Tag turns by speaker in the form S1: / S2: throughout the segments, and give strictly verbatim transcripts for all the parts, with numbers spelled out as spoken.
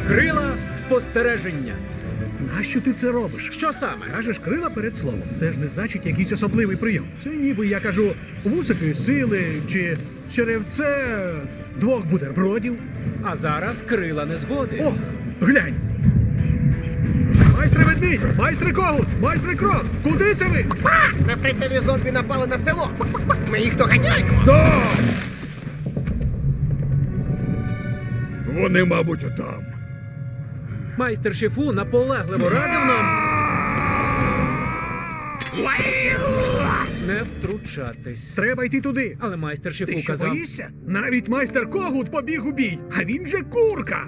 S1: Крила спостереження.
S2: Нащо ти це робиш?
S1: Що саме?
S2: Кажеш крила перед словом. Це ж не значить якийсь особливий прийом. Це ніби я кажу вусики сили чи черевце двох бутербродів.
S1: А зараз крила незгоди.
S2: О, глянь! Майстре ведмідь! Майстре когут! Майстре крот! Куди це ви?
S3: Набридливі зомбі напали на село. Ми їх доганяємо.
S2: Стоп!
S4: Вони, мабуть, отам.
S1: Майстер Шифу наполегливо радив нам не втручатись.
S2: Треба йти туди.
S1: Але майстер Шифу
S2: Ти що,
S1: казав...
S2: боїшся? Навіть майстер когут побіг у бій, а він же курка.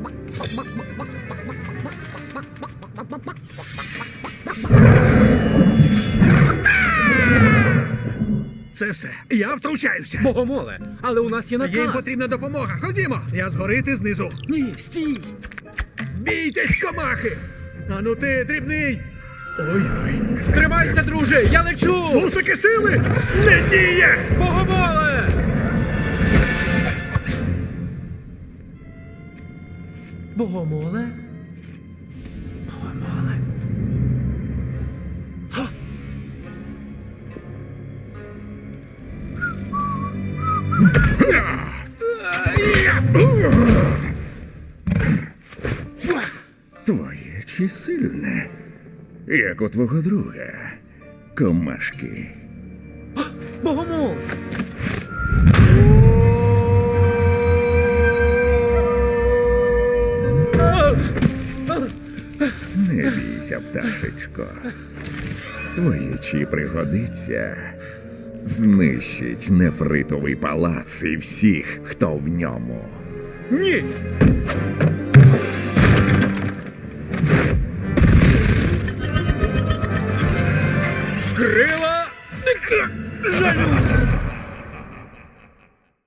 S2: Це все. Я втручаюся.
S1: Богомоле, але у нас є наказ.
S2: Їм потрібна допомога. Ходімо. Я згори, ти знизу.
S1: Ні, стій!
S2: Бійтесь, комахи! Ану ти, дрібний! Ой-ой.
S1: Тримайся, друже, я лечу!
S2: Вусики сили! Не діє!
S1: Богомоле! Богомоле? Богомоле? Ха!
S4: Твоє чи сильне, як у твого друга, комашки.
S1: Богомол!
S4: Не бійся, пташечко. Твоє чи пригодиться, знищить нефритовий палац і всіх, хто в ньому.
S1: Ні! Крила жалю!